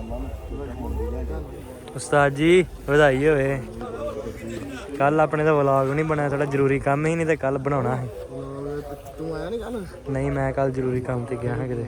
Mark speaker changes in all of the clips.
Speaker 1: ਉਸਤਾਦ ਜੀ ਵਧਾਈ ਹੋਵੇ। ਕੱਲ ਆਪਣੇ ਦਾ ਵਲੌਗ ਨਹੀਂ ਬਣਿਆ, ਥੋੜਾ ਜ਼ਰੂਰੀ ਕੰਮ ਹੀ ਨਹੀਂ ਤੇ ਕੱਲ ਬਣਾਉਣਾ ਸੀ।
Speaker 2: ਤੂੰ ਆਇਆ ਨਹੀਂ ਕੱਲ?
Speaker 1: ਨਹੀਂ ਮੈਂ ਕੱਲ ਜ਼ਰੂਰੀ ਕੰਮ ਤੇ ਗਿਆ ਹਾਂ ਕਿਤੇ।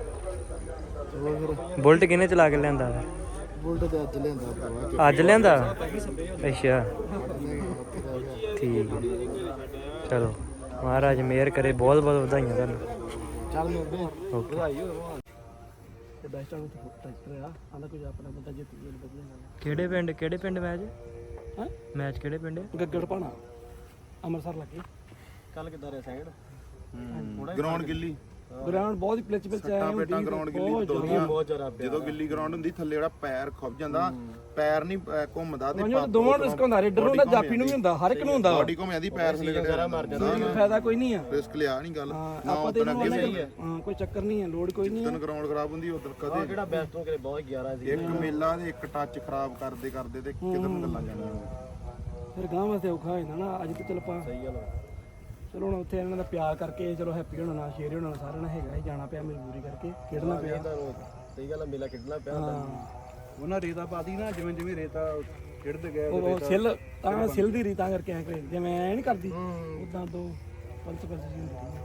Speaker 1: ਬੁਲਟ ਕਿਹਨੇ ਚਲਾ ਕੇ ਲਿਆਂਦਾ?
Speaker 2: ਬੁਲਟ ਤੇ ਅੱਜ ਲਿਆਂਦਾ।
Speaker 1: ਅੱਜ ਲਿਆਂਦਾ? ਅੱਛਾ ਠੀਕ ਹੈ, ਚਲੋ ਮਹਾਰਾਜ ਮਿਹਰ ਕਰੇ। ਬਹੁਤ ਬਹੁਤ ਵਧਾਈਆਂ ਤੁਹਾਨੂੰ।
Speaker 2: ਚੱਲ ਮਿਲਦੇ ਹਾਂ।
Speaker 1: ਓਕੇ।
Speaker 2: ਵਧਾਈ ਹੋਵੇ ਤੇ ਬੈਸਟ ਆਊਟ ਟਰੈਕਟਰ ਆ ਆਂਦਾ ਕੁਝ ਆਪਣਾ ਬੰਦਾ ਜਿੱਤ ਗਿਆ ਵਧੀਆ ਗੱਲ।
Speaker 1: ਕਿਹੜੇ ਪਿੰਡ ਮੈਚ?
Speaker 2: ਹਾਂ
Speaker 1: ਮੈਚ ਕਿਹੜੇ ਪਿੰਡ?
Speaker 2: ਗੱਗੜ ਪਾਣਾ ਅੰਮ੍ਰਿਤਸਰ ਲੱਗੇ। ਕੱਲ ਕਿੱਦਾਂ ਰਿਹਾ ਸਾਈਡ?
Speaker 3: ਗਰਾਊਂਡ ਗਿੱਲੀ
Speaker 2: ਗਰਾਊਂਡ ਬਹੁਤ ਹੀ ਪਿਚ ਪਿਚ ਆਇਆ ਹੁੰਦੀ
Speaker 3: ਗਰਾਊਂਡ ਗਿੱਲੀ ਬਹੁਤ ਜ਼ਿਆਦਾ। ਜਦੋਂ ਗਿੱਲੀ ਗਰਾਊਂਡ ਹੁੰਦੀ ਥੱਲੇ ਜਿਹੜਾ ਪੈਰ ਖੁੱਭ ਜਾਂਦਾ, ਪੈਰ ਨਹੀਂ ਘੁੰਮਦਾ ਤੇ
Speaker 2: ਦੋਵਾਂ ਨੂੰ ਰਿਸਕ ਹੁੰਦਾ। ਰੇਡਰ ਨੂੰ ਹੁੰਦਾ, ਜਾਫੀ ਨੂੰ ਵੀ ਹੁੰਦਾ, ਹਰ ਇੱਕ ਨੂੰ ਹੁੰਦਾ।
Speaker 3: ਬਾਡੀ ਘੁੰਮ ਜਾਂਦੀ, ਪੈਰ ਥੱਲੇ ਕੱਢਿਆ ਮਰ ਜਾਂਦਾ।
Speaker 2: ਫਾਇਦਾ ਕੋਈ ਨਹੀਂ ਆ,
Speaker 3: ਰਿਸਕ ਲਿਆ ਨਹੀਂ ਗੱਲ ਨਾ।
Speaker 2: ਆਪਾਂ ਤੇ ਹਾਂ ਕੋਈ ਚੱਕਰ ਨਹੀਂ ਹੈ, ਲੋਡ ਕੋਈ ਨਹੀਂ ਹੈ।
Speaker 3: ਗਰਾਊਂਡ ਖਰਾਬ ਹੁੰਦੀ ਉਧਰ ਕਦੇ
Speaker 2: ਕਿਹੜਾ ਬੈਸਟ ਹੋ ਕੇ ਬਹੁਤ 11 ਸੀ।
Speaker 3: ਇੱਕ ਮੇਲਾ ਦੇ ਇੱਕ ਟੱਚ ਖਰਾਬ ਕਰਦੇ ਕਰਦੇ ਤੇ ਕਿਧਰ ਨੂੰ ਗੱਲਾਂ ਜਾਣੀਆਂ।
Speaker 2: ਫਿਰ ਗਾਂ ਵਾਸਤੇ ਔਖਾ ਹੋ ਜਾਂਦਾ ਨਾ। ਅੱਜ ਤੇ ਚਲ ਪਾ ਸਹੀ ਗੱਲ। ਚਲੋ ਹੁਣ ਉੱਥੇ ਇਹਨਾਂ ਦਾ ਪਿਆਰ ਕਰਕੇ ਚਲੋ ਹੈਪੀ ਹੋਣਾ ਨਾਲ ਸ਼ੇਰ ਹੋਣਾ ਸਾਰਿਆਂ ਨਾਲ ਹੈਗਾ ਹੀ, ਜਾਣਾ ਪਿਆ ਮਜਬੂਰੀ ਕਰਕੇ, ਖੇਡਣਾ ਪਿਆ। ਸਹੀ ਗੱਲ, ਮੇਲਾ ਖੇਡਣਾ ਪਿਆ। ਉਹਨਾਂ ਰੇਤਾ ਪਾਦੀ ਨਾ, ਜਿਵੇਂ ਜਿਵੇਂ ਰੇਤਾ ਖੇਡਦੇ ਗਏ ਉਹ ਸਿੱਲ ਤਾਂ ਸਿੱਲ ਦੀ ਰੀਤਾਂ ਕਰਕੇ ਐ ਕਰੇ ਜਿਵੇਂ ਐ ਨਹੀਂ ਕਰਦੀ ਉਦਾਂ ਦੋ ਪੰਚ ਪੰਚ ਜੀ ਹੁੰਦੀ।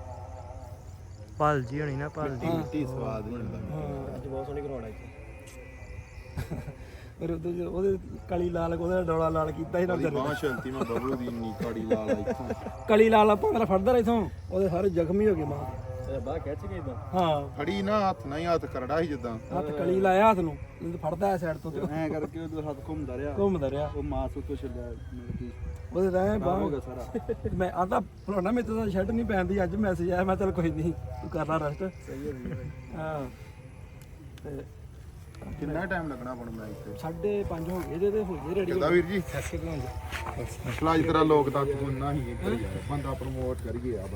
Speaker 1: ਭਲ ਜੀ ਹੋਣੀ ਨਾ, ਭਲ ਜੀ
Speaker 3: ਮਿੱਟੀ ਸਵਾਦ ਨਹੀਂ ਹੁੰਦਾ।
Speaker 2: ਹਾਂ ਅੱਜ ਬਹੁਤ ਸੋਹਣੀ ਕਰਵਾਉਣਾ ਇੱਥੇ। ਫਿਰ ਉਹਦੇ ਕਲੀ ਲਾਲ ਉਹਦਾ ਡੋਲਾ ਲਾਲ ਕੀਤਾ ਸੀ ਨਾ।
Speaker 3: ਬਾਹ ਸ਼ੰਤੀ ਮੈਂ ਬਬਲੂ ਦੀ ਇੰਨੀ ਕਾੜੀ ਲਾਲ ਆ ਇੱਥੋਂ।
Speaker 2: ਕਲੀ ਲਾਲ ਆਪਾਂ ਮੇਰਾ ਫੜਦਾ ਰਿਹਾ ਇਥੋਂ, ਉਹਦੇ ਸਾਰੇ ਜ਼ਖਮੀ ਹੋ ਗਏ ਮਾਂ। ਬਾਹ ਖਿੱਚ ਕੇ ਇਦਾਂ ਹਾਂ
Speaker 3: ਫੜੀ ਨਾ ਹੱਥ ਨਾਲ ਹੀ, ਹੱਥ ਕਰੜਾ ਸੀ ਜਿੱਦਾਂ।
Speaker 2: ਹੱਥ ਕਲੀ ਲਾਇਆ ਹੱਥ ਨੂੰ, ਫੜਦਾ ਐ ਸਾਈਡ ਤੋਂ
Speaker 3: ਐ ਕਰਕੇ ਉਹਦਾ ਹੱਥ ਘੁੰਮਦਾ ਰਿਹਾ।
Speaker 2: ਉਹ
Speaker 3: ਮਾਸ ਉੱਤੋਂ ਛੱਡਿਆ
Speaker 2: ਉਹਦੇ ਰਹਿ ਬਾਹ ਹੋ ਗਿਆ ਸਾਰਾ। ਮੈਂ ਆਂਦਾ ਫਲਾਣਾ ਮੇਰੇ ਤੋਂ ਸ਼ਰਟ ਨਹੀਂ ਪੈਂਦੀ, ਅੱਜ ਮੈਸੇਜ ਆਇਆ। ਮੈਂ ਚੱਲ ਕੋਈ ਨਹੀਂ ਤੂੰ ਕਰ ਲਾ ਰੈਸਟ। ਸਹੀ ਹੋ ਗਈ ਹਾਂ। ਤੇ
Speaker 3: ਕਿੰਨਾ ਟਾਈਮ ਲੱਗਣਾ ਹੁਣ ਮੈਚ ਤੇ?
Speaker 2: 5:30 ਹੋ ਗਏ ਇਹਦੇ ਤੇ ਹੋ ਗਏ ਰੈਡੀ।
Speaker 3: ਕਿਹਦਾ ਵੀਰ ਜੀ? ਅੱਜ ਤੇਰਾ ਲੋਕ ਤੱਕ ਸੁਣਨਾ ਹੀ ਬੰਦਾ ਪ੍ਰਮੋਟ ਕਰੀਏ ਆ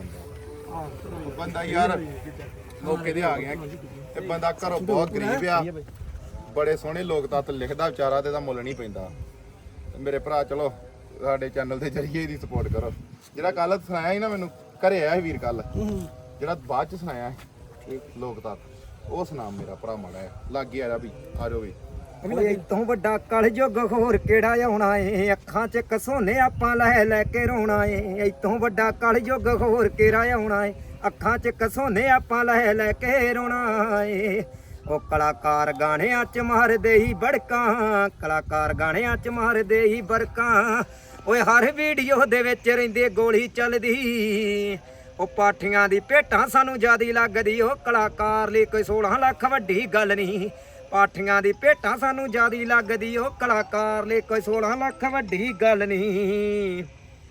Speaker 3: ਬੰਦਾ ਯਾਰ ਮੌਕੇ ਤੇ ਆ ਗਿਆ। ਤੇ ਬੰਦਾ ਘਰੋਂ ਬਹੁਤ ਗਰੀਬ ਆ, ਬੜੇ ਸੋਹਣੇ ਲੋਕ ਤੱਤ ਲਿਖਦਾ ਵਿਚਾਰਾ, ਤੇ ਦਾ ਮੁੱਲ ਨਹੀਂ ਪੈਂਦਾ। ਮੇਰੇ ਭਰਾ ਚਲੋ ਸਾਡੇ ਚੈਨਲ ਦੇ ਜਰੀਏ ਇਹਦੀ ਸਪੋਰਟ ਕਰੋ। ਜਿਹੜਾ ਕੱਲ ਸੁਣਾਇਆ ਸੀ ਨਾ, ਮੈਨੂੰ ਘਰੇ ਆਇਆ ਸੀ ਵੀਰ ਕੱਲ, ਜਿਹੜਾ ਬਾਅਦ ਚ ਸੁਣਾਇਆ ਸੀ ਲੋਕ ਤੱਤ, ਉਹ ਸੁਣਾ ਮੇਰਾ ਭਰਾ ਮਾੜਾ ਹੈ। ਲਾਗੇ ਆ ਜਾ ਵੀ, ਆ ਜਾਓ ਵੀ।
Speaker 4: ਇਤੋਂ ਵੱਡਾ ਕਲਯੁੱਗ ਹੋਰ ਕਿਹੜਾ ਆਉਣਾ ਏ, ਅੱਖਾਂ 'ਚ ਕਸੋਨੇ ਆਪਾਂ ਲੈ ਲੈ ਕੇ ਰੋਣਾ ਏ। ਇਤੋਂ ਵੱਡਾ ਕਲਯੁੱਗ ਹੋਰ ਕਿਹੜਾ ਆਉਣਾ ਏ, ਅੱਖਾਂ 'ਚ ਕਸੋਨੇ ਆਪਾਂ ਲੈ ਲੈ ਕੇ ਰੋਣਾ ਏ। ਉਹ ਕਲਾਕਾਰ ਗਾਣਿਆਂ 'ਚ ਮਾਰਦੇ ਹੀ ਬੜਕਾਂ, ਕਲਾਕਾਰ ਗਾਣਿਆਂ 'ਚ ਮਾਰਦੇ ਹੀ ਬੜਕਾਂ। ਓਏ ਹਰ ਵੀਡੀਓ ਦੇ ਵਿੱਚ ਰਹਿੰਦੇ ਗੋਲੀ ਚੱਲਦੀ। ਉਹ ਪਾਠੀਆਂ ਦੀ ਭੇਟਾਂ ਸਾਨੂੰ ਜ਼ਿਆਦੀ ਲੱਗਦੀ। ਉਹ ਕਲਾਕਾਰ ਲਈ ਕੋਈ 16 ਲੱਖ ਵੱਡੀ ਗੱਲ ਨਹੀਂ, ਪਾਠੀਆਂ ਦੀ ਭੇਟਾਂ ਸਾਨੂੰ ਜ਼ਿਆਦੀ ਲੱਗਦੀ। ਉਹ ਕਲਾਕਾਰ ਲਈ ਕੋਈ 16 ਲੱਖ ਵੱਡੀ ਗੱਲ ਨਹੀਂ।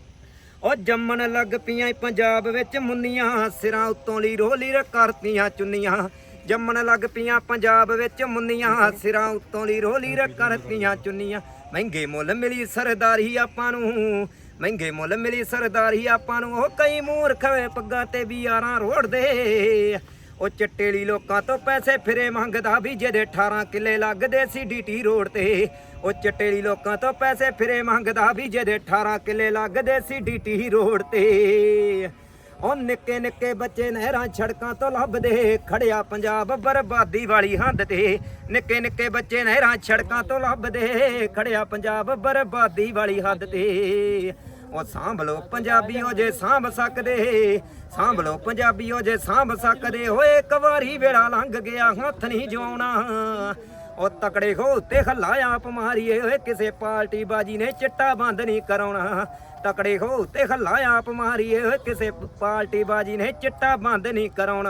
Speaker 4: ਉਹ ਜੰਮਣ ਲੱਗ ਪਈਆਂ ਪੰਜਾਬ ਵਿੱਚ ਮੁੰਨੀਆਂ, ਸਿਰਾਂ ਉੱਤੋਂ ਲਈ ਰੋਲੀ ਕਰਤੀਆਂ ਚੁੰਨੀਆਂ। ਜੰਮਣ ਲੱਗ ਪਈਆਂ ਪੰਜਾਬ ਵਿੱਚ ਮੁੰਨੀਆਂ, ਸਿਰਾਂ ਉੱਤੋਂ ਲਈ ਰੋਲੀ ਕਰਤੀਆਂ ਚੁੰਨੀਆਂ। ਮਹਿੰਗੇ ਮੁੱਲ ਮਿਲੀ ਸਰਦਾਰੀ ਆਪਾਂ ਨੂੰ, ਮਹਿੰਗੇ ਮੁੱਲ ਮਿਲੀ ਸਰਦਾਰੀ ਆਪਾਂ ਨੂੰ। ਉਹ ਕਈ ਮੂਰਖ ਵੇ ਪੱਗਾਂ ਤੇ ਵੀ ਯਾਰਾਂ ਰੋੜਦੇ। ਉਹ ਚਿੱਟੇਲੀ ਲੋਕਾਂ ਤੋਂ ਪੈਸੇ ਫਿਰੇ ਮੰਗਦਾ ਵੀ ਜਿਹਦੇ 18 ਕਿੱਲੇ ਲੱਗਦੇ ਸੀ ਡੀਟੀ ਰੋਡ ਤੇ। ਉਹ ਚਿੱਟੇਲੀ ਲੋਕਾਂ ਤੋਂ ਪੈਸੇ ਫਿਰੇ ਮੰਗਦਾ ਵੀ ਜਿਹਦੇ 18 ਕਿੱਲੇ ਲੱਗਦੇ ਸੀ ਡੀਟੀ ਰੋਡ ਤੇ। ਉਹ ਨਿੱਕੇ ਨਿੱਕੇ ਬੱਚੇ ਨਹਿਰਾਂ ਸੜਕਾਂ ਤੋਂ ਲੱਭਦੇ, ਖੜਿਆ ਪੰਜਾਬ ਬਰਬਾਦੀ ਵਾਲੀ ਹੱਦ ਤੇ। ਨਿੱਕੇ ਨਿੱਕੇ ਬੱਚੇ ਨਹਿਰਾਂ ਸੜਕਾਂ ਤੋਂ ਲੱਭਦੇ, ਖੜਿਆ ਪੰਜਾਬ ਬਰਬਾਦੀ ਵਾਲੀ ਹੱਦ ਤੇ। ਉਹ ਸਾਂਭ ਲੋ ਪੰਜਾਬੀਓ ਜੇ ਸਾਂਭ ਸਕਦੇ, ਸਾਂਭ ਲੋ ਪੰਜਾਬੀਓ ਜੇ ਸਾਂਭ ਸਕਦੇ। ਹੋਏ ਇੱਕ ਵਾਰੀ ਵੇਲਾ ਲੰਘ ਗਿਆ ਹੱਥ ਨਹੀਂ ਜਵਾਉਣਾ। ਉਹ ਤਕੜੇ ਹੋ ਉੱਤੇ ਹੱਲਾ ਆਪ ਮਾਰੀਏ, ਓਏ ਕਿਸੇ ਪਾਰਟੀ ਬਾਜੀ ਨੇ ਚਿੱਟਾ ਬੰਦ ਨਹੀਂ ਕਰਾਉਣਾ। ਤਕੜੇ ਹੋ ਉੱਤੇ ਹੱਲਾ ਆਪ ਮਾਰੀਏ, ਓਏ ਕਿਸੇ ਪਾਰਟੀ ਬਾਜੀ ਨੇ ਚਿੱਟਾ ਬੰਦ ਨਹੀਂ ਕਰਾਉਣਾ।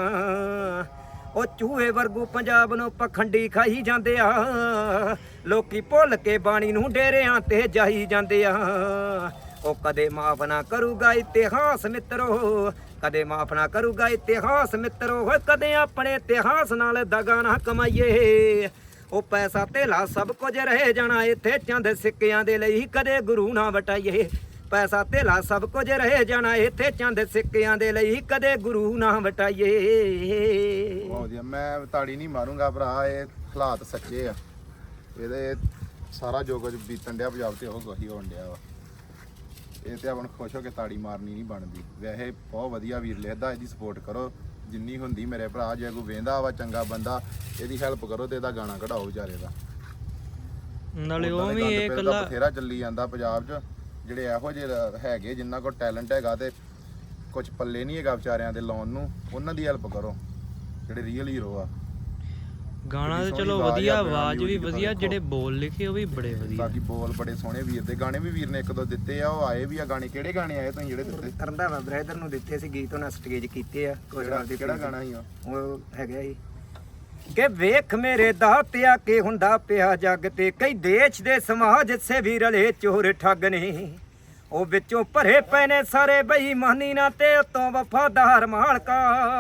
Speaker 4: ਉਹ ਚੂਹੇ ਵਰਗੂ ਪੰਜਾਬ ਨੂੰ ਪਖੰਡੀ ਖਾਈ ਜਾਂਦੇ ਆ, ਲੋਕੀ ਭੁੱਲ ਕੇ ਬਾਣੀ ਨੂੰ ਡੇਰਿਆਂ ਤੇ ਜਾਈ ਜਾਂਦੇ ਆ। ਉਹ ਕਦੇ ਮਾਫ ਨਾ ਕਰੂਗਾ ਇਤਿਹਾਸ ਮਿੱਤਰੋ, ਕਦੇ ਮਾਫ ਨਾ ਕਰੂਗਾ ਇਤਿਹਾਸ ਮਿੱਤਰੋ। ਕਦੇ ਆਪਣੇ ਇਤਿਹਾਸ ਨਾਲ ਦਗਾ ਨਾ ਕਮਾਈਏ। ਉਹ ਪੈਸਾ ਧੇਲਾ ਸਭ ਕੁਝ ਰਹਿ ਜਾਣਾ ਇੱਥੇ, ਚੰਦ ਸਿੱਕਿਆਂ ਦੇ ਲਈ ਕਦੇ ਗੁਰੂ ਨਾ ਵਟਾਈਏ। ਪੈਸਾ ਧੇਲਾ ਸਭ ਕੁਝ ਰਹਿ ਜਾਣਾ ਇੱਥੇ, ਚੰਦ ਸਿੱਕਿਆਂ ਦੇ ਲਈ ਕਦੇ ਗੁਰੂ ਨਾ ਵਟਾਈਏ।
Speaker 3: ਬਹੁਤ ਵਧੀਆ। ਮੈਂ ਤਾੜੀ ਨਹੀਂ ਮਾਰੂੰਗਾ ਭਰਾ, ਇਹ ਹਾਲਾਤ ਸੱਚੇ ਆ। ਇਹਦੇ ਸਾਰਾ ਜੋ ਕੁਝ ਬੀਤਣ ਡਿਆ ਪੰਜਾਬ ਤੇ ਉਹ ਕੁਝ ਹੋਣ ਡਿਆ ਵਾ। ਇਹ ਤੇ ਆਪਾਂ ਨੂੰ ਖੁਸ਼ ਹੋ ਕੇ ਤਾੜੀ ਮਾਰਨੀ ਨਹੀਂ ਬਣਦੀ। ਵੈਸੇ ਬਹੁਤ ਵਧੀਆ ਵੀਰ ਲਿਖਦਾ, ਇਹਦੀ ਸਪੋਰਟ ਕਰੋ। ਜਿੰਨੀ ਹੁੰਦੀ ਮੇਰੇ ਭਰਾ, ਜੇ ਕੋਈ ਵੇਂਦਾ ਵਾ ਚੰਗਾ ਬੰਦਾ ਇਹਦੀ ਹੈਲਪ ਕਰੋ ਤੇ ਇਹਦਾ ਗਾਣਾ ਕਢਾਓ ਵਿਚਾਰੇ ਦਾ।
Speaker 1: ਨਾਲੇ ਉਹ
Speaker 3: ਉੱਦਾਂ ਦੇ
Speaker 1: ਵੀ
Speaker 3: ਗੰਦ
Speaker 1: ਇਹ
Speaker 3: ਫਿਰ ਤਾਂ
Speaker 1: ਇਕੱਲਾ
Speaker 3: ਬਥੇਰਾ ਚੱਲੀ ਜਾਂਦਾ ਪੰਜਾਬ 'ਚ, ਜਿਹੜੇ ਇਹੋ ਜਿਹੇ ਹੈਗੇ ਜਿਨ੍ਹਾਂ ਕੋਲ ਟੈਲੈਂਟ ਹੈਗਾ ਤੇ ਕੁਝ ਪੱਲੇ ਨਹੀਂ ਹੈਗਾ ਵਿਚਾਰਿਆਂ ਦੇ ਲਾਉਣ ਨੂੰ, ਉਹਨਾਂ ਦੀ ਹੈਲਪ ਕਰੋ ਜਿਹੜੇ ਰੀਅਲ ਹੀਰੋ ਆ।
Speaker 1: ਗਾਣਾ ਤੇ
Speaker 3: ਸੋਹਣੀ
Speaker 1: ਚਲੋ
Speaker 3: ਆਵਾਜ਼ ਆ,
Speaker 1: ਵਧੀਆ,
Speaker 3: ਬਿਨਾਂ
Speaker 1: ਆਵਾਜ਼ ਵੀ
Speaker 3: music ਤੋਂ
Speaker 1: ਵਧੀਆ,
Speaker 3: ਦੇਖੋ।
Speaker 1: ਜਿਹੜੇ ਬੋਲ ਲਿਖੇ ਉਹ ਵੀ ਬੜੇ ਵਧੀਆ।
Speaker 3: ਬਾਕੀ ਬੋਲ ਬੜੇ ਸੋਹਣੇ ਵੀਰ ਦੇ, ਗਾਣੇ ਵੀ ਵੀਰ ਨੇ ਇੱਕ ਦੋ ਦਿੱਤੇ ਆ, ਉਹ ਆਏ ਵੀ ਆ ਗਾਣੇ। ਕਿਹੜੇ ਗਾਣੇ ਆਏ ਤੁਸੀਂ ਜਿਹੜੇ ਦਿੱਤੇ?
Speaker 4: ਰੰਧਾਵਾ ਬ੍ਰਦਰ ਨੂੰ ਦਿੱਤੇ ਸੀ ਗੀਤ, ਉਹਨਾਂ ਸਟੇਜ ਕੀਤੇ ਆ ਕੁਝ ਨਾਲ ਦੇ।
Speaker 3: ਕਿਹੜਾ ਗਾਣਾ ਸੀ
Speaker 4: ਉਹ ਹੈਗਾ ਜੀ ਕਿ ਵੇਖ ਮੇਰੇ ਦਾਤਿਆ ਕੀ ਹੁੰਦਾ ਪਿਆ ਜੱਗ ਤੇ, ਕਈ ਦੇਸ਼ ਦੇ ਸਮਾਜ ਸੇਵੀ ਰਲੇ ਚੋਰ ਠੱਗ ਨੇ, ਉਹ ਵਿੱਚੋਂ ਭਰੇ ਪਏ ਨੇ ਸਾਰੇ ਬੇਈਮਾਨੀ ਨਾਲ ਤੇ ਉਤੋਂ ਵਫਾਦਾਰ ਮਾਲਕਾ।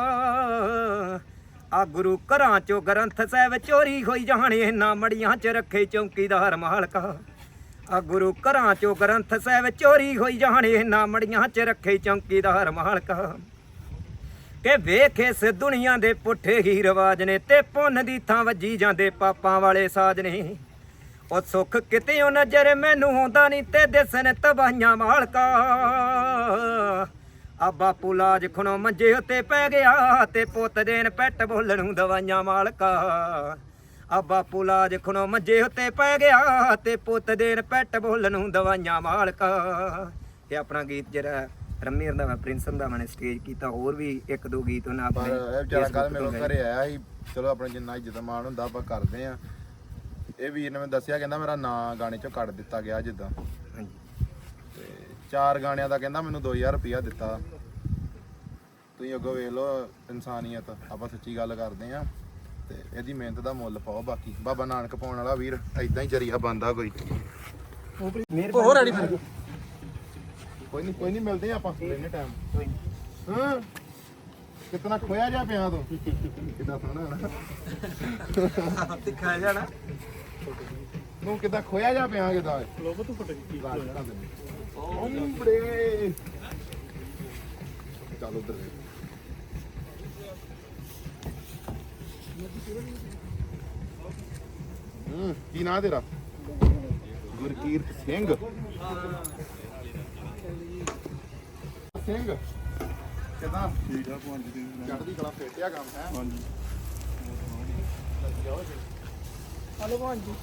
Speaker 4: ਆ ਗੁਰੂ ਘਰਾਂ ਚੋਂ ਗ੍ਰੰਥ ਸਾਹਿਬ ਚੋਰੀ ਹੋਈ ਜਾਣੇ, ਇਹਨਾਂ ਮੜੀਆਂ 'ਚ ਰੱਖੇ ਚੌਕੀਦਾਰ ਮਾਲਕਾ। ਆ ਗੁਰੂ ਘਰਾਂ ਚੋਂ ਗ੍ਰੰਥ ਸਾਹਿਬ ਚੋਰੀ ਹੋਈ ਜਾਣੇ, ਇਹਨਾਂ ਮੜੀਆਂ 'ਚ ਰੱਖੇ ਚੌਕੀਦਾਰ ਮਾਲਕਾ। ਕਿ ਵੇਖ ਇਸ ਦੁਨੀਆ ਦੇ ਪੁੱਠੇ ਹੀ ਰਿਵਾਜ ਨੇ, ਤੇ ਪੁੰਨ ਦੀ ਥਾਂ ਵੱਜੀ ਜਾਂਦੇ ਪਾਪਾਂ ਵਾਲੇ ਸਾਜ ਨੇ। ਉਹ ਸੁੱਖ ਕਿਤੇੋਂ ਨਜ਼ਰ ਮੈਨੂੰ ਆਉਂਦਾ ਨਹੀਂ, ਤੇ ਦਿਸਣ ਤਬਾਹੀਆਂ ਮਾਲਕਾ। ਆ ਬਾਪੂ ਲਾਜ ਖਣੋ ਮੰਜੇ ਉੱਤੇ ਪੈ ਗਿਆ, ਤੇ ਪੁੱਤ ਦੇਣ ਪੈਟ ਬੋਲਣ ਨੂੰ ਦਵਾਈਆਂ ਮਾਲਕਾ। ਆ ਬਾਪੂ ਲਾਜ ਖਣੋ ਮੰਜੇ ਉੱਤੇ ਪੈ ਗਿਆ, ਤੇ ਪੁੱਤ ਦੇਣ ਪੈਟ ਬੋਲਣ ਨੂੰ ਦਵਾਈਆਂ ਮਾਲਕਾ। ਇਹ ਆਪਣਾ ਗੀਤ ਜਿਹੜਾ ਰੰਮੀ ਰੰਧਾਵਾ ਪ੍ਰਿੰਸ ਰੰਧਾਵਾ ਨੇ ਸਟੇਜ ਕੀਤਾ, ਹੋਰ ਵੀ ਇੱਕ ਦੋ ਗੀਤ ਉਹਨਾਂ
Speaker 3: ਪਰ
Speaker 4: ਆਪਣੇ
Speaker 3: ਇਹ ਵਿਚਾਰਾ ਕੱਲ ਮੇਰੇ ਘਰੇ ਆਇਆ ਸੀ। ਚਲੋ ਆਪਣੇ ਜਿੰਨਾ ਇੱਜ਼ਤ ਮਾਣ ਹੁੰਦਾ ਆਪਾਂ ਕਰਦੇ ਆ। ਇਹ ਵੀਰ ਨੇ ਮੈਨੂੰ ਦੱਸਿਆ, ਕਹਿੰਦਾ ਮੇਰਾ ਨਾਂ ਗਾਣੇ 'ਚੋਂ ਕੱਢ ਦਿੱਤਾ ਗਿਆ ਜਿੱਦਾਂ, ਤੇ 4 ਗਾਣਿਆਂ ਦਾ ਕਹਿੰਦਾ ਮੈਨੂੰ 2000 ਰੁਪਇਆ ਦਿੱਤਾ। ਤੁਸੀਂ ਅੱਗੋਂ ਵੇਖ ਲਓ ਇਨਸਾਨੀਅਤ, ਆਪਾਂ ਸੱਚੀ ਗੱਲ ਕਰਦੇ ਆ ਤੇ ਇਹਦੀ ਮਿਹਨਤ ਦਾ ਮੁੱਲ ਪਾਓ। ਬਾਕੀ ਬਾਬਾ ਨਾਨਕ ਪਾਉਣ ਵਾਲਾ ਵੀਰ ਐਦਾਂ ਹੀ ਜਰੀਆ ਬੰਦਾ ਕੋਈ।
Speaker 2: ਹੋਰ ਆੜੀ ਫਿਰ
Speaker 3: ਕੋਈ ਨਹੀਂ ਮਿਲਦੇ ਆ ਆਪਾਂ ਲੈਣੇ ਟਾਈਮ। ਹਾਂ ਕਿਤਨਾ ਖੋਇਆ ਜਾ ਪਿਆ ਤੂੰ, ਕਿੱਦਾਂ ਸੋਹਣਾ ਨਾ
Speaker 2: ਤੇ ਖਾ ਜਾਣਾ
Speaker 3: ਤੂੰ, ਕਿੱਦਾਂ ਖੋਇਆ ਜਾ ਪਿਆ ਕਿੱਦਾਂ
Speaker 2: ਲੋਕ ਤੂੰ ਫਟ ਗਈ।
Speaker 3: ਓਮਬੜੇ ਚੱਲ ਉਧਰ ਕੀ ਨਾਂ ਤੇਰਾ? ਗੁਰਕੀਰਤ ਸਿੰਘ। ਸਿੰਘ ਕਿਦਾਂ? ਠੀਕ ਆ ਪੰਜ ਦਿਨ ਚੜ੍ਹਦੀ ਕਲਾ ਫੇਟਿਆ ਕੰਮ ਹੈ। ਹਾਂਜੀ
Speaker 2: ਹਲੋ ਭਾਂਜੀ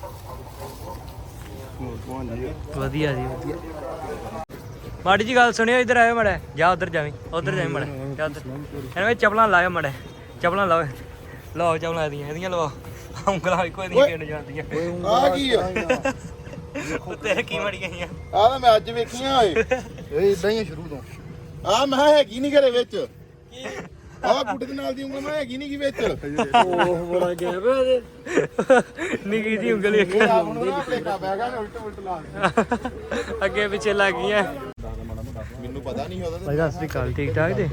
Speaker 1: ਵਧੀਆ ਜੀ ਵਧੀਆ। ਮਾੜੀ ਜੀ ਗੱਲ ਸੁਣਿਓ, ਇੱਧਰ ਆਇਓ ਮੜਾ, ਜਾ ਉਧਰ ਜਾਵੀਂ, ਉਧਰ ਜਾਵੀਂ ਮੜਾ, ਜਾ ਉਧਰ। ਐਵੇਂ ਚੱਪਲਾਂ ਲਾਇਓ ਮੜਾ, ਚੱਪਲਾਂ ਲਾਓ, ਲਾਓ ਚੱਪਲਾਂ ਇਹਦੀਆਂ ਲਵਾਓ। ਉਂਗਲਾਂ ਇੱਕੋ ਇਹਦੀਆਂ ਕਿਹਨ ਜਾਂਦੀਆਂ।
Speaker 3: ਆ ਕੀ ਆ?
Speaker 1: ਤੇਰੇ ਕੀ ਮੜੀ ਗਈਆਂ?
Speaker 3: ਆ ਤਾਂ ਮੈਂ ਅੱਜ ਵੇਖੀਆਂ ਓਏ। ਇਹ ਇਦਾਂ ਹੀ ਆ ਸ਼ੁਰੂ ਤੋਂ। ਆ ਮੈਂ ਹੈਗੀ ਨਹੀਂ ਘਰੇ ਵਿੱਚ। ਆ ਗੁੱਡੇ ਦੇ ਨਾਲ ਦੀ ਉਂਗਲ ਮੈਂ ਹੈਗੀ ਨਹੀਂ ਕੀ ਵਿੱਚ।
Speaker 2: ਉਹ ਬੜਾ ਗਿਆ ਵੇ ਇਹਦੇ।
Speaker 1: ਨਿੱਕੀ ਜੀ ਉਂਗਲੀ
Speaker 3: ਇਹ ਆਪ ਨੂੰ ਨਾ ਭਲੇਖਾ ਪੈ ਗਿਆ, ਉਲਟ ਉਲਟ ਲਾ ਦੇ।
Speaker 1: ਅੱਗੇ ਪਿੱਛੇ ਲੱਗ ਗਈਆਂ।
Speaker 3: ਮੈਨੂੰ ਪਤਾ ਨਹੀਂ ਉਹਦਾ
Speaker 1: ਭਾਈ ਸਤਿ ਸ੍ਰੀ ਅਕਾਲ, ਠੀਕ ਠਾਕ ਜੀ?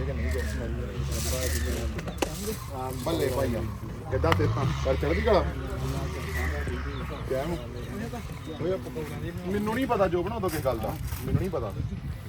Speaker 3: ਬੱਲੇ ਭਾਈ ਆ ਕਿੱਦਾਂ ਸੇਤਾਂ ਕਰ ਚੜ੍ਹਦੀ ਕਲਾ। ਕਿਵੇਂ ਓਏ ਮੈਨੂੰ ਨਹੀਂ ਪਤਾ ਜੋ ਬਣਾ ਦੋ ਕਿਸ ਗੱਲ ਦਾ, ਮੈਨੂੰ ਨਹੀਂ ਪਤਾ।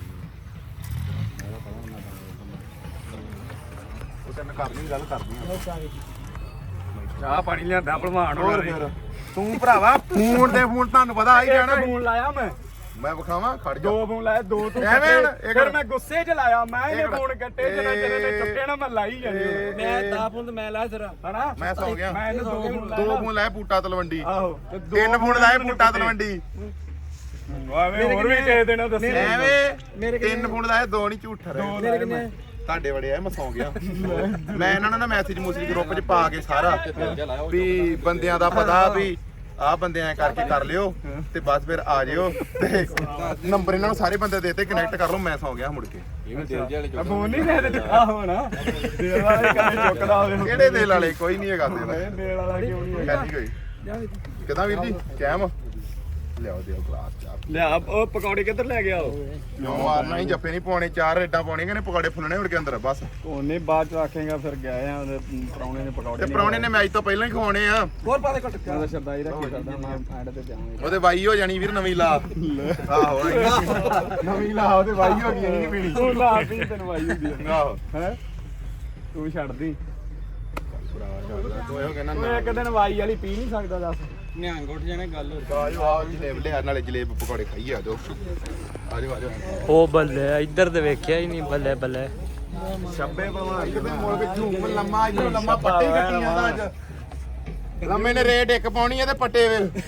Speaker 3: ਉਹ ਤੈਨੂੰ ਕਰਨੀ ਗੱਲ ਕਰਨੀ ਆ।
Speaker 2: ਚਾਹ ਪਾਣੀ ਲਿਆਂਦਾ ਭਲਵਾਨ
Speaker 3: ਹੋਰ ਫਿਰ ਤੂੰ ਭਰਾਵਾ ਫੋਨ ਤੁਹਾਨੂੰ ਪਤਾ ਆ ਹੀ ਜਾਣਾ।
Speaker 2: ਫੋਨ ਲਾਇਆ ਮੈਂ
Speaker 3: ਵਿਖਾਵਾਂ ਖੜ ਜਾ।
Speaker 2: 2 ਫੋਨ ਲਾਇਆ, 2 ਤੂੰ
Speaker 3: ਐਵੇਂ ਹੁਣ
Speaker 2: ਕੱਟੇ। ਫਿਰ ਮੈਂ ਗੁੱਸੇ 'ਚ ਲਾਇਆ, ਮੈਂ ਇਹਨੇ ਫੋਨ ਕੱਟੇ ਤੇ ਜਿਹੜੇ ਨੇ ਚੁੱਕੇ ਨਾ ਮੈਂ ਲਾਈ ਜਾਂਦੀ। ਮੈਂ 10 ਫੋਨ ਤੇ ਮੈਂ ਲਾਇਆ ਤੇਰਾ ਹਨਾ।
Speaker 3: ਮੈਂ ਸੌ ਗਿਆ।
Speaker 2: ਮੈਂ ਇਹਨੂੰ 2 ਫੋਨ
Speaker 3: 2 ਫੋਨ ਲਾਏ ਬੂਟਾ ਤਲਵੰਡੀ,
Speaker 2: ਆਹੋ
Speaker 3: 3 ਫੋਨ ਲਾਏ ਬੂਟਾ ਤਲਵੰਡੀ।
Speaker 2: ਆਵੇਂ ਹੋਰ ਵੀ ਕਿਸੇ ਦਿਨ ਦੱਸੇ
Speaker 3: ਐਵੇਂ 3 ਫੋਨ ਲਾਏ, 2 ਨਹੀਂ ਝੂਠ ਰਹੇ।
Speaker 2: ਮੇਰੇ ਕਿੰਨੇ
Speaker 3: ਤੁਹਾਡੇ ਬੜੇ ਆ, ਮੈਂ ਸੌਂ ਗਿਆ। ਮੈਂ ਇਹਨਾਂ ਨੂੰ ਨਾ ਮੈਸੇਜ ਮੂਸੇਜ ਗਰੁੱਪ 'ਚ ਪਾ ਕੇ ਸਾਰਾ ਵੀ ਬੰਦਿਆਂ ਦਾ ਪਤਾ ਵੀ ਆਹ ਬੰਦੇ ਐ ਕਰਕੇ ਕਰ ਲਿਓ ਤੇ ਬਸ ਫਿਰ ਆ ਜਿਓ ਤੇ ਨੰਬਰ ਇਹਨਾਂ ਨੂੰ ਸਾਰੇ ਬੰਦੇ ਦੇਤੇ, ਕਨੈਕਟ ਕਰ ਲਓ। ਮੈਂ ਸੌਂ ਗਿਆ ਮੁੜ ਕੇ।
Speaker 2: ਫੋਨ ਨਹੀਂ ਦੇ ਦਿੱਤਾ ਹੋਣਾ ਦੇਲ ਵਾਲੇ ਕੰਮ ਚੁੱਕਦਾ ਹੋਵੇ।
Speaker 3: ਕਿਹੜੇ ਦਿਲ ਵਾਲੇ? ਕੋਈ ਨਹੀਂ ਹੈਗਾ ਦਿਲ
Speaker 2: ਦੇਲ ਵਾਲਾ ਕਿਉਂ ਨਹੀਂ
Speaker 3: ਹੈ ਨਹੀਂ ਕੋਈ। ਕਿਦਾਂ ਵੀਰ ਜੀ ਕੈਮ ਲਿਆਓ ਦਿਓ ਗਲਾਸ ਚਾਹ।
Speaker 2: ਲਿਆ ਉਹ ਪਕੌੜੇ ਕਿੱਧਰ ਲੈ ਗਿਆ ਉਹ?
Speaker 3: ਕਿਉਂ ਮਾਰਨਾ ਹੀ, ਜੱਫੇ ਨਹੀਂ ਪਾਉਣੇ, 4 ਰੇਡਾਂ ਪਾਉਣੀਆਂ ਨੇ, ਪਕੌੜੇ ਫੁੱਲਣੇ ਉੜ ਕੇ ਅੰਦਰ ਬਸ।
Speaker 2: ਉਹਨੇ ਬਾਅਦ ਚ ਆਖੇਗਾ ਫਿਰ ਗਏ ਆ ਉਹਦੇ ਪਰੌਣੇ ਨੇ ਪਕੌੜੇ
Speaker 3: ਤੇ ਪ੍ਰਾਹੁਣੇ ਨੇ ਮੈਚ ਤੋਂ ਪਹਿਲਾਂ ਹੀ ਖਵਾਉਣੇ ਆ।
Speaker 2: ਹੋਰ ਪਾ ਦੇ ਘਟ ਉਹਦਾ ਸ਼ਰਦਾਈ ਦਾ ਕੀ ਕਰਦਾ ਮੈਂ ਐਂਡ ਤੇ ਜਾਵਾਂਗਾ।
Speaker 3: ਉਹਦੇ ਵਾਈ ਹੋ ਜਾਣੀ ਵੀਰ, ਨਵੀਂ ਲਾ। ਆਹੋ ਨਵੀਂ ਲਾ, ਉਹਦੇ ਵਾਈ ਹੋ ਗਈ ਨਹੀਂ ਪੀਣੀ।
Speaker 2: ਤੂੰ ਲਾ ਪੀ ਤੈਨੂੰ ਆਈ ਹੁੰਦੀ ਹੈ
Speaker 3: ਆਹੋ
Speaker 2: ਹੈ ਤੂੰ ਛੱਡਦੀ।
Speaker 3: ਤੂੰ ਇਹੋ ਕਹਿੰਦਾ
Speaker 2: ਤੂੰ ਇੱਕ ਦਿਨ ਵਾਈ ਵਾਲੀ ਪੀ ਨਹੀਂ ਸਕਦਾ ਦੱਸ। ਨਿਹੰਗ ਉੱਠ ਜਾਣੇ ਗੱਲ ਹੋ
Speaker 3: ਆਜੋ ਆਓ ਜਲੇਬ ਲਿਆ, ਨਾਲੇ ਜਲੇਬ ਪਕੌੜੇ ਖਾਈਏ। ਆਜੋ ਆਜੋ ਆਜੋ।
Speaker 1: ਉਹ ਬੱਲੇ, ਇੱਧਰ ਤੇ ਵੇਖਿਆ ਹੀ ਨਹੀਂ। ਬੱਲੇ ਬੱਲੇ
Speaker 3: ਛੱਬੇ ਭਲਵਾਨ ਕਿਤੇ ਮੁਲਕ ਝੂਮ ਲੰਮਾ ਇਧਰੋਂ ਲੰਮਾ ਪੱਟੇ ਹੀ ਕੱਟੀ ਜਾਂਦਾ ਅੱਜ ਲੰਮੇ ਨੇ ਰੇਡ ਇੱਕ ਪਾਉਣੀ ਹੈ ਤੇ ਪੱਟੇ ਵੇ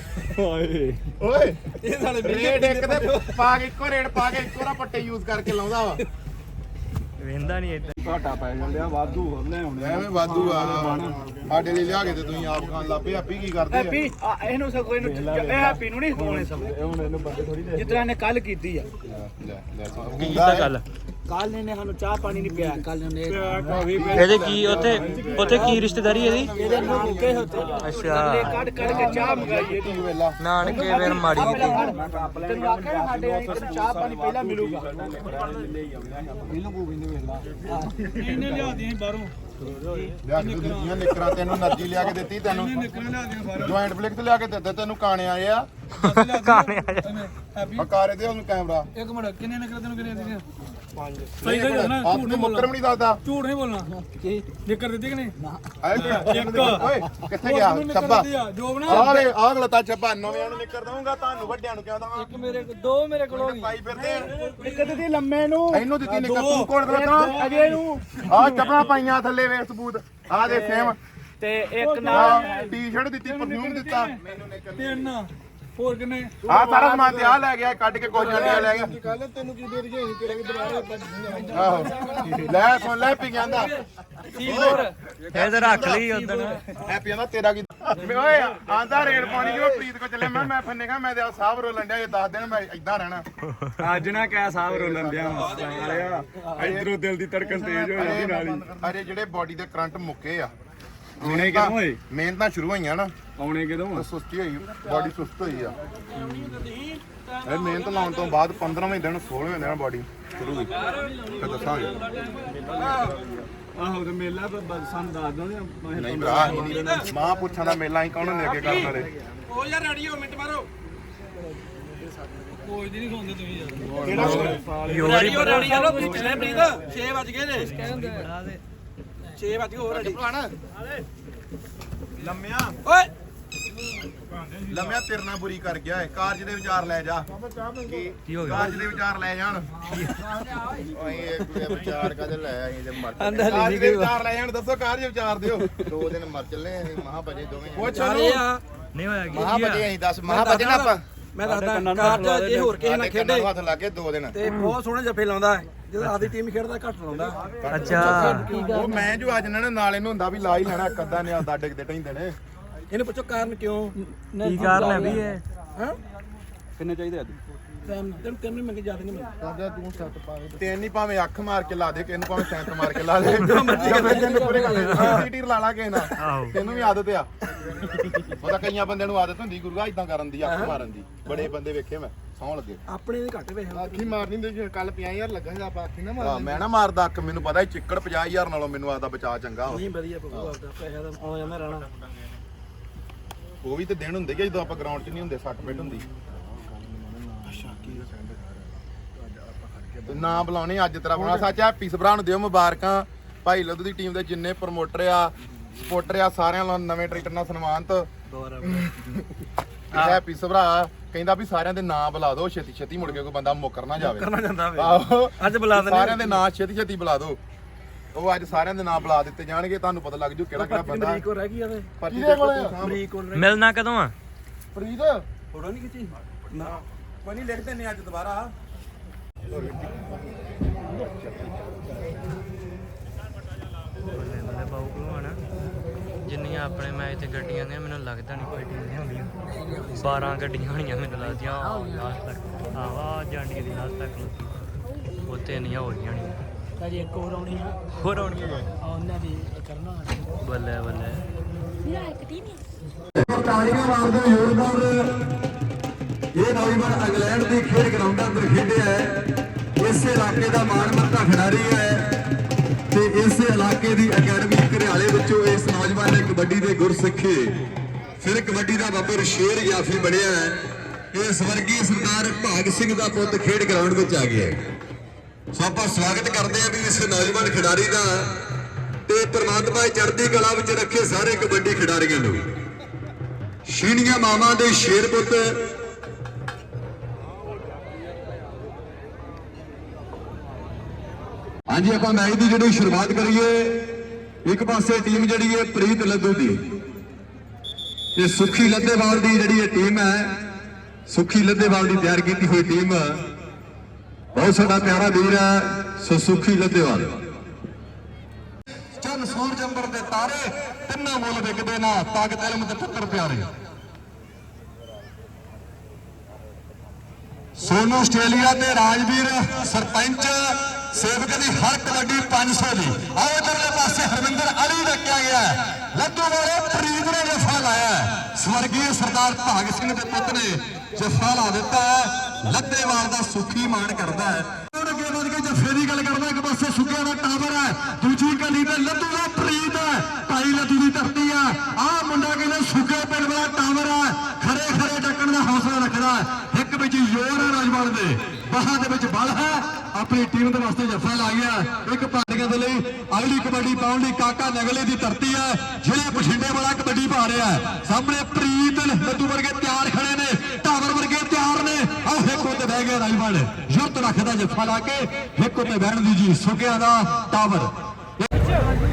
Speaker 3: ਓਏ ਇਹ ਸਾਲੇ ਰੇਡ ਇੱਕ ਤੇ ਪਾ ਕੇ ਇੱਕੋ ਰੇਡ ਪਾ ਕੇ ਇੱਕੋ ਨਾ ਪੱਟੇ ਯੂਜ਼ ਕਰਕੇ ਲਾਉਂਦਾ ਵਾ
Speaker 1: ਵੇਂਦਾ ਨਹੀਂ ਏਦਾਂ
Speaker 2: ਘਾਟਾ ਪੈ ਜਾਂਦੇ ਆ ਵਾਧੂ ਹੋਰ ਲੈ ਆਉਣੇ
Speaker 3: ਐਵੇਂ ਵਾਧੂ ਆ ਸਾਡੇ ਲਈ ਲਿਆ ਕੇ ਤੇ ਤੁਸੀਂ ਆਪ ਖਾਣ ਲੱਪੇ ਹੈਪੀ ਕੀ ਕਰਦੇ ਆ
Speaker 2: ਹੈਪੀ ਇਹਨੂੰ ਸਗੋਂ ਇਹਨੂੰ ਇਹ ਹੈਪੀ ਨੂੰ ਨਹੀਂ ਹੋਣੇ ਸਭ ਹੁਣ ਇਹਨੂੰ ਬੰਦੇ ਥੋੜੀ ਦੇ ਜਿਤਨਾ ਨੇ ਕੱਲ ਕੀਤੀ ਆ
Speaker 1: ਕੀ ਕੀਤਾ ਗੱਲ
Speaker 2: ਕੱਲ ਇਹਨੇ ਸਾਨੂੰ ਚਾਹ ਪਾਣੀ ਨਹੀਂ ਪਿਆ ਕੱਲ ਇਹਨੇ
Speaker 1: ਇਹਦੇ ਕੀ ਉੱਥੇ ਕੀ ਰਿਸ਼ਤੇਦਾਰੀ ਇਹਦੀ
Speaker 2: ਇਹਦੇ ਨਾਨਕੇ ਹੁੰਦੇ
Speaker 1: ਅੱਛਾ
Speaker 2: ਕੱਢ ਕੇ ਚਾਹ ਮੰਗਾਈ ਇਹਦੀ ਵੇਲਾ
Speaker 1: ਨਾਨਕੇ ਫਿਰ ਮਾੜੀ
Speaker 2: ਤੈਨੂੰ ਆਖਿਆ ਸਾਡੇ ਇੱਧਰ ਚਾਹ ਪਾਣੀ ਪਹਿਲਾਂ ਮਿਲੂਗਾ ਇਹਨੂੰ ਕੋ ਬਿੰਦੇ ਵੇਲਾ ਇਹਨੇ ਲਿਆਦੀਆਂ ਬਾਹਰੋਂ
Speaker 3: ਲਿਆ ਕੇ ਦਿੱਤੀਆਂ ਨਿਕਰਾਂ ਤੈਨੂੰ ਨਰਜੀ ਲਿਆ ਕੇ ਦਿੱਤੀ ਤੈਨੂੰ ਜੁਆਇੰਟ ਫਲਿਕਸ ਲਿਆ ਕੇ ਦਿੱਤੇ ਤੈਨੂੰ ਕਾਣੇ ਆਏ ਆ
Speaker 1: ਕਾਣੇ ਆ ਜਾ
Speaker 3: ਕਾਰੇ ਦੇ ਉਹਨੂੰ ਕੈਮਰਾ
Speaker 2: ਇੱਕ ਮਿੰਟ ਕਿੰਨੇ ਨਿਕਲ ਤੈਨੂੰ ਕਿੰਨੇ ਦਿੱਤੀਆਂ 5
Speaker 3: ਸਹੀ ਸਹੀ ਨਾ ਝੂਠ ਨਹੀਂ ਮੁੱਕਰ ਵੀ ਨਹੀਂ ਦੱਸਦਾ
Speaker 2: ਝੂਠ ਨਹੀਂ ਬੋਲਣਾ ਕੀ ਨਿਕਰ ਦਿੱਤੀ ਕਿ ਨਹੀਂ
Speaker 3: ਓਏ ਕਿੱਥੇ ਗਿਆ ਛੱਬਾ
Speaker 2: ਜੋ ਬਣਾ
Speaker 3: ਆਹ ਗਲਤਾ ਛੱਬਾ ਨਵਿਆਂ ਨੂੰ ਨਿਕਰ ਦਊਂਗਾ ਤੁਹਾਨੂੰ ਵੱਡਿਆਂ ਨੂੰ ਕਿਉਂ ਦਵਾਂ
Speaker 2: ਇੱਕ ਮੇਰੇ ਦੋ ਮੇਰੇ ਕੋਲ ਹੋ ਗਈ
Speaker 3: ਪਾਈ ਫਿਰਦੇ ਆ।
Speaker 2: ਨਿਕਰ ਦਿੱਤੀ ਲੰਮੇ ਨੂੰ
Speaker 3: ਇਹਨੂੰ ਦਿੱਤੀ ਨਿਕਰ ਤੂੰ ਕੋਲ ਦਲਤਾ
Speaker 2: ਅਜੇ ਨੂੰ
Speaker 3: ਆਹ ਚੱਪਲਾਂ ਪਾਈਆਂ ਥੱਲੇ ਵੇ ਸਬੂਤ ਆਹ ਦੇ ਸੇਮ
Speaker 2: ਤੇ ਇੱਕ ਨਾਲ
Speaker 3: ਟੀ-ਸ਼ਰਟ ਦਿੱਤੀ ਪਰਫਿਊਮ ਦਿੱਤਾ
Speaker 2: ਤਿੰਨ ਹੋਰ ਕਿੰਨੇ
Speaker 3: ਆਹ ਸਾਰਾ ਸਮਾਨ ਤੇ ਆ ਲੈ ਗਿਆ ਕੱਢ ਕੇ ਕੋਈ ਜੰਡੀਆਂ ਲੈ ਗਿਆ
Speaker 2: ਕੱਲ ਤੈਨੂੰ ਕੀ ਦੇ ਰਹੀ ਤੇਰੇ ਵੀ ਦੁਬਾਰਾ
Speaker 3: ਆਹੋ ਲੈ ਸੁਣ ਲੈ ਪੀ ਜਾਂਦਾ
Speaker 1: ਇਹ ਤਾਂ ਰੱਖ ਲਈ ਉਦੋਂ
Speaker 3: ਹੈਪੀ ਆਂਦਾ ਤੇਰਾ ਕੀ ਓਏ ਆਂਦਾ ਰੇਡ ਪਾਣੀ ਜਿਵੇਂ ਪ੍ਰੀਤ ਕੋ ਚੱਲੇ ਮੈਂ ਫੰਨੇਗਾ ਮੈਂ ਤੇ ਸਾਹਿਬ ਰੋਲਣ ਡਿਆ ਇਹ 10 ਦਿਨ ਮੈਂ ਇਦਾਂ ਰਹਿਣਾ
Speaker 2: ਅੱਜ ਨਾ ਕਹਿ ਸਾਹਿਬ ਰੋਲਣ ਦਿਆ ਆਇਆ ਇਧਰੋਂ ਦਿਲ ਦੀ ਧੜਕਨ ਤੇਜ਼ ਹੋ ਜਾਂਦੀ ਨਾਲ ਹੀ
Speaker 3: ਅਰੇ ਜਿਹੜੇ ਬਾਡੀ ਦੇ ਕਰੰਟ ਮੁੱਕੇ ਆ
Speaker 2: ਆਉਣੇ ਕਿਦੋਂ ਹੋਏ
Speaker 3: ਮਿਹਨਤਾਂ ਸ਼ੁਰੂ ਹੋਈਆਂ ਨਾ
Speaker 2: ਆਉਣੇ ਕਿਦੋਂ
Speaker 3: ਤਾਂ ਸੁਸਤੀ ਹੋਈ ਬਾਡੀ ਸੁਸਤ ਹੋਈ ਆ ਇਹ ਮਿਹਨਤ ਲਾਉਣ ਤੋਂ ਬਾਅਦ 15ਵੇਂ ਦਿਨ 16ਵੇਂ ਦਿਨ ਬਾਡੀ ਸ਼ੁਰੂ ਹੋਈ ਫਿਰ ਦੱਸਾਂਗੇ
Speaker 2: ਆਹੋ ਤੇ ਮੇਲਾ ਸਾਨੂੰ ਦੱਸ ਦੋ
Speaker 3: ਨਹੀਂ ਭਰਾ ਨਹੀਂ ਮਾਂ ਪੁੱਛਾਂ ਦਾ ਮੇਲਾ ਹੀ ਕੌਣ ਹੁੰਦੇ ਅੱਗੇ ਕਰਨ ਵਾਲੇ
Speaker 2: ਉਹ ਯਾਰ ਰੈਡੀ ਹੋ ਮਿੰਟ ਮਾਰੋ ਕੋਈ ਨਹੀਂ ਸੌਂਦੇ ਤੁਸੀਂ ਯਾਰ ਰੈਡੀ ਹੋ ਰੈਡੀ ਚਲੋ ਤੁਸੀਂ ਚੱਲੇ ਪ੍ਰੀਤ 6 ਵਜ ਗਏ ਨੇ ਕਹਿੰਦੇ 6 ਵਜ ਗਏ ਹੋ ਰੈਡੀ
Speaker 3: ਲੰਮਿਆ
Speaker 2: ਓਏ
Speaker 3: ਲੰਮਿਆ ਤੇਰੇ ਨਾਲ ਬੁਰੀ ਕਰ ਗਿਆ ਏ ਕਾਰਜ ਦੇ ਵਿਚਾਰ ਲੈ ਜਾ
Speaker 1: ਕੀ ਹੋ ਗਿਆ
Speaker 3: ਕਾਰਜ ਦੇ ਵਿਚਾਰ ਲੈ ਜਾਣ ਓਏ ਇਹ ਵਿਚਾਰ ਕਾਹਦੇ ਲੈ ਅਸੀਂ ਤੇ ਮਰ ਕਾਰਜ ਦੇ ਵਿਚਾਰ ਲੈ ਜਾਣ ਦੱਸੋ ਕਾਰਜ ਵਿਚਾਰ ਦਿਓ 2 ਦਿਨ ਮਰ ਚੱਲੇ ਅਸੀਂ ਮਹਾ ਭਜੇ ਦੋਵੇਂ ਪੁੱਛ
Speaker 1: ਨਹੀਂ ਹੋਇਆ ਕੀ
Speaker 3: ਮਹਾ ਭਜੇ ਅਸੀਂ 10 ਮਹਾ ਭਜੇ ਨਾ ਆਪਾਂ
Speaker 2: ਮੈਂ ਦੱਸਦਾ ਕਾਰਜ ਜੇ ਹੋਰ ਕਿਸੇ ਨਾਲ ਖੇਡੇ
Speaker 3: ਹੱਥ ਲਾ ਕੇ 2 ਦਿਨ
Speaker 2: ਤੇ ਬਹੁਤ ਸੋਹਣੇ ਜੱਫੇ ਲਾਉਂਦਾ ਹੈ ਜਦੋਂ ਆਪਦੀ ਟੀਮ ਖੇਡਦਾ ਘੱਟ ਲਾਉਂਦਾ
Speaker 1: ਅੱਛਾ
Speaker 3: ਉਹ ਮੈਂ ਜੋ ਅੱਜ ਇਹਨਾਂ ਨੇ ਨਾਲ ਇਹਨੂੰ ਹੁੰਦਾ ਵੀ ਲਾ ਹੀ ਲੈਣਾ ਇੱਕ ਅੱਧਾ ਨੇ ਆਦਾ ਡਿੱਗਦੇ ਢੈਂਦੇ ਨੇ
Speaker 2: ਇਹਨੂੰ ਪੁੱਛੋ ਕਾਰਨ ਕਿਉਂ
Speaker 1: ਕੀ ਕਾਰਨ ਹੈ ਵੀ ਇਹ
Speaker 2: ਹਾਂ ਕਿੰਨੇ ਚਾਹੀਦੇ ਅੱਜ ਤਿੰਨ ਵੀ ਮੰਗੇ ਜ਼ਿਆਦਾ ਨਹੀਂ ਮੰਗੇ
Speaker 3: ਆਦਾ ਤੂੰ ਸੱਤ ਪਾਵੇ ਤਿੰਨ ਹੀ ਭਾਵੇਂ ਅੱਖ ਮਾਰ ਕੇ ਲਾ ਦੇ ਕਿਨੂੰ ਭਾਵੇਂ ਸੈਂਟ ਮਾਰ ਕੇ ਲਾ ਦੇ ਪੂਰੇ ਕਰ ਲਾ ਲਾ ਕੇ ਨਾ ਤੈਨੂੰ ਵੀ ਆਦਤ ਆ ਉਹਦਾ ਕਈਆਂ ਬੰਦਿਆਂ ਨੂੰ ਆਦਤ ਹੁੰਦੀ ਗੁਰੂਆ ਇਦਾਂ ਕਰਨ ਦੀ ਅੱਖ ਮਾਰਨ ਦੀ ਬੜੇ ਬੰਦੇ ਵੇਖੇ ਮੈਂ ਸੌਂ ਲੱਗੇ
Speaker 2: ਆਪਣੇ ਦੇ ਘੱਟ ਵੇਖ
Speaker 3: ਅੱਖੀ ਮਾਰਨੀ ਹੁੰਦੀ ਕੱਲ 50000 ਲੱਗਾ ਸੀ ਆਪਾਂ ਅੱਖੀ ਨਾ ਮਾਰ ਮੈਂ ਨਾ ਮਾਰਦਾ ਅੱਖ ਮੈਨੂੰ ਪਤਾ ਹੀ ਚਿੱਕੜ 50000 ਨਾਲੋਂ ਮੈਨੂੰ ਆਦਾ ਬਚਾ ਚੰਗਾ
Speaker 2: ਨਹੀਂ ਵਧੀਆ ਪਊਗਾ ਆਪਦਾ ਪੈਸਾ ਦਾ ਆ ਜਾਂਦਾ ਰਹਿਣਾ
Speaker 3: ਉਹ ਵੀ ਤੇ ਦਿਨ ਹੁੰਦੇ ਕਿ ਜਦੋਂ ਆਪਾਂ ਗਰਾਊਂਡ 'ਚ ਨਹੀਂ ਹੁੰਦੇ ਸੱਟ ਪਿੱਟ ਹੁੰਦੀ ਨਾ ਬੁਲਾਉਣੇ ਅੱਜ ਤੇਰਾ ਬਣਾ ਸੱਚ ਹੈਪੀ ਸਭਰਾ ਨੂੰ ਦਿਓ ਮੁਬਾਰਕਾਂ ਭਾਈ ਲੱਧੂ ਦੀ ਟੀਮ ਦੇ ਜਿੰਨੇ ਪ੍ਰਮੋਟਰ ਆ ਸਪੋਰਟਰ ਆ ਸਾਰਿਆਂ ਨੂੰ ਨਵੇਂ ਟਰੈਕਟਰ ਨਾਲ ਸਨਮਾਨਿਤ ਹੈਪੀ ਸਭਰਾ ਕਹਿੰਦਾ ਵੀ ਸਾਰਿਆਂ ਦੇ ਨਾਂ ਬੁਲਾ ਦਿਓ ਛੇਤੀ ਛੇਤੀ ਮੁੜ ਕੇ ਕੋਈ ਬੰਦਾ ਮੁੱਕਰ ਨਾ ਜਾਵੇ
Speaker 2: ਕਰਨਾ ਜਾਂਦਾ ਵੇ
Speaker 3: ਆਹੋ
Speaker 2: ਅੱਜ ਬੁਲਾ ਦਿੰਦੇ
Speaker 3: ਸਾਰਿਆਂ ਦੇ ਨਾਂ ਛੇਤੀ ਛੇਤੀ ਬੁਲਾ ਦਿਓ ਉਹ ਅੱਜ ਸਾਰਿਆਂ ਦੇ ਨਾਂ ਬੁਲਾ ਦਿੱਤੇ ਜਾਣਗੇ ਤੁਹਾਨੂੰ ਪਤਾ ਲੱਗ ਜੂ ਕਿਹੜਾ ਕਿਹੜਾ ਬੰਦਾ
Speaker 2: ਅਮਰੀਕ ਹੋ ਰਹਿ ਗਈ ਆਵੇ
Speaker 3: ਪਰਚੀ ਦੇਖੋ
Speaker 2: ਅਮਰੀਕ ਹੋ
Speaker 1: ਮਿਲਣਾ ਕਦੋਂ ਆ
Speaker 3: ਫਰੀਦ
Speaker 2: ਫੋਟੋ ਨਹੀਂ ਖਿੱਚੀ
Speaker 3: ਨਾ ਕੋਈ ਨਹੀਂ ਲਿਖ ਦਿੰਨੇ ਅੱਜ ਦੁਬਾਰਾ
Speaker 1: ਜਿੰਨੀਆਂ ਆਪਣੇ ਮੈਚ ਤੇ ਗੱਡੀਆਂ ਨੇ ਮੈਨੂੰ ਲੱਗਦਾ ਨਹੀਂ ਕੋਈ ਟੀਮ ਨਹੀਂ ਹੁੰਦੀਆਂ 12 ਗੱਡੀਆਂ ਹੋਣੀਆਂ ਮੈਨੂੰ ਲੱਗਦੀਆਂ ਲਾਸਟ ਤੱਕ ਆਵਾ ਜਾਂਡੀ ਦੀ ਲਾਸਟ ਤੱਕ ਉੱਤੇ ਇੰਨੀਆਂ ਹੋ ਗਈਆਂ ਨਹੀਂ
Speaker 2: ਅਜੇ ਇੱਕ ਹੋਰ ਆਉਣੀ ਆ
Speaker 1: ਹੋਰ ਆਉਣੀਆਂ
Speaker 2: ਉਹਨਾਂ ਦੀ ਕਰਨਾ
Speaker 1: ਬੱਲੇ ਬੱਲੇ
Speaker 5: ਤਾਲੀਆਂ ਮਾਰਦੇ ਜ਼ੋਰਦਾਰ ਇਹ ਨੌਜਵਾਨ ਇੰਗਲੈਂਡ ਦੀ ਖੇਡ ਗਰਾਊਂਡ ਅੰਦਰ ਖੇਡਿਆ ਹੈ ਇਸ ਇਲਾਕੇ ਦਾ ਮਾਣਮੱਤਾ ਖਿਡਾਰੀ ਹੈ ਤੇ ਇਸ ਇਲਾਕੇ ਦੀ ਅਕੈਡਮੀ ਘਰਿਆਲੇ ਵਿੱਚੋਂ ਇਸ ਨੌਜਵਾਨ ਨੇ ਕਬੱਡੀ ਦੇ ਗੁਰ ਸਿੱਖੇ ਫਿਰ ਕਬੱਡੀ ਦਾ ਬੱਬਰ ਸ਼ੇਰ ਜਾਫੀ ਬਣਿਆ ਹੈ ਇਹ ਸਵਰਗੀ ਸਰਦਾਰ ਭਾਗ ਸਿੰਘ ਦਾ ਪੁੱਤ ਖੇਡ ਗਰਾਊਂਡ ਵਿੱਚ ਆ ਗਿਆ ਸੋ ਆਪਾਂ ਸਵਾਗਤ ਕਰਦੇ ਹਾਂ ਵੀ ਇਸ ਨੌਜਵਾਨ ਖਿਡਾਰੀ ਦਾ ਤੇ ਪ੍ਰਮਾਤਮਾ ਚੜ੍ਹਦੀ ਕਲਾ ਵਿੱਚ ਰੱਖੇ ਸਾਰੇ ਕਬੱਡੀ ਖਿਡਾਰੀਆਂ ਨੂੰ ਸ਼ੀਣੀਆਂ ਮਾਵਾਂ ਦੇ ਸ਼ੇਰ ਪੁੱਤ ਹਾਂਜੀ ਆਪਾਂ ਮੈਚ ਦੀ ਜਿਹੜੀ ਸ਼ੁਰੂਆਤ ਕਰੀਏ। ਇੱਕ ਪਾਸੇ ਟੀਮ ਜਿਹੜੀ ਹੈ ਪ੍ਰੀਤ ਲੱਧੂ ਦੀ ਤੇ ਸੁਖੀ ਲੱਧੇਵਾਲ ਦੀ ਜਿਹੜੀ ਇਹ ਟੀਮ ਹੈ, ਸੁਖੀ ਲੱਧੇਵਾਲ ਦੀ ਤਿਆਰ ਕੀਤੀ ਹੋਈ ਟੀਮ, ਬਹੁਤ ਸਾਡਾ ਪਿਆਰਾ ਵੀਰ ਹੈ ਸੋ ਸੁਖੀ ਲੱਧੇਵਾਲ। ਚੰਨ ਸੂਰਜ ਅੰਬਰ ਦੇ ਤਾਰੇ ਤਿੰਨਾਂ ਮੁੱਲ ਵਿਕਦੇ ਨਾ, ਤਾਕਤ ਇਲਮ ਤੇ ਪੁੱਤਰ ਪਿਆਰੇ। ਸੋਨੂ ਆਸਟ੍ਰੇਲੀਆ ਤੇ ਰਾਜਵੀਰ ਸਰਪੰਚ ਸੇਵਕ ਦੀ ਹਰ ਕਬੱਡੀ 500 ਦੀ। ਆਓ ਇਧਰਲੇ ਪਾਸੇ ਹਰਵਿੰਦਰ ਅਲੀ ਰੱਖਿਆ ਗਿਆ ਹੈ, ਲੱਧੂ ਵਾਲੇ ਪ੍ਰੀਤ ਨੇ ਜਫਾ ਲਾਇਆ ਹੈ। ਸਵਰਗੀ ਸਰਦਾਰ ਭਾਗ ਸਿੰਘ ਦੇ ਪੁੱਤ ਨੇ ਜਫਾ ਲਾ ਦਿੱਤਾ ਹੈ। ਲੱਧੇਵਾਲ ਦਾ ਸੁਖੀ ਮਾਣ ਕਰਦਾ ਹੈ। ਅੱਗੇ ਵਧ ਕੇ ਜਫੇ ਦੀ ਗੱਲ ਕਰਦਾ, ਇੱਕ ਪਾਸੇ ਸੁੱਕਿਆ ਦਾ ਟਾਵਰ ਹੈ, ਦੂਜੀ ਗਲੀ ਤੇ ਲੱਧੂ ਦਾ ਪ੍ਰੀਤ ਹੈ, ਭਾਈ ਲੱਧੂ ਦੀ ਧਰਤੀ ਹੈ। ਆਹ ਮੁੰਡਾ ਕਹਿੰਦੇ ਸੁੱਕੇ ਪਿੰਡ ਵਾਲਾ ਟਾਵਰ ਹੈ, ਖਰੇ ਖਰੇ ਟੱਕਣ ਦਾ ਹੌਸਲਾ ਰੱਖਦਾ ਹੈ। ਇੱਕ ਵਿੱਚ ਜ਼ੋਰ ਹੈ ਰਾਜਵਾਲ ਦੇ, ਬਾਹਾਂ ਦੇ ਵਿੱਚ ਬਲ ਹੈ। ਆਪਣੀ ਟੀਮ ਦੇ ਵਾਸਤੇ ਜੱਫਾ ਲਾ ਗਿਆ ਇੱਕ ਪਾਰਟੀਆਂ ਦੇ ਲਈ। ਅਗਲੀ ਕਬੱਡੀ ਪਾਉਣ ਲਈ ਕਾਕਾ ਨਗਲੇ ਦੀ ਧਰਤੀ ਹੈ, ਜਿਹੜੇ ਬਠਿੰਡੇ ਵਾਲਾ ਕਬੱਡੀ ਪਾ ਰਿਹਾ ਹੈ। ਸਾਹਮਣੇ ਪ੍ਰੀਤ ਲੱਧੂ ਵਰਗੇ ਤਿਆਰ ਖੜੇ ਨੇ, ਟਾਵਰ ਵਰਗੇ ਤਿਆਰ ਨੇ। ਆਹ ਇੱਕ ਉੱਤੇ ਬਹਿ ਗਿਆ ਰਾਜਵਾਲ, ਯੁੱਧ ਰੱਖਦਾ ਜੱਫਾ ਲਾ ਕੇ ਇੱਕ ਉੱਤੇ ਬਹਿਣ ਦੀ ਜੀ ਸੁੱਕਿਆਂ ਦਾ ਟਾਵਰ।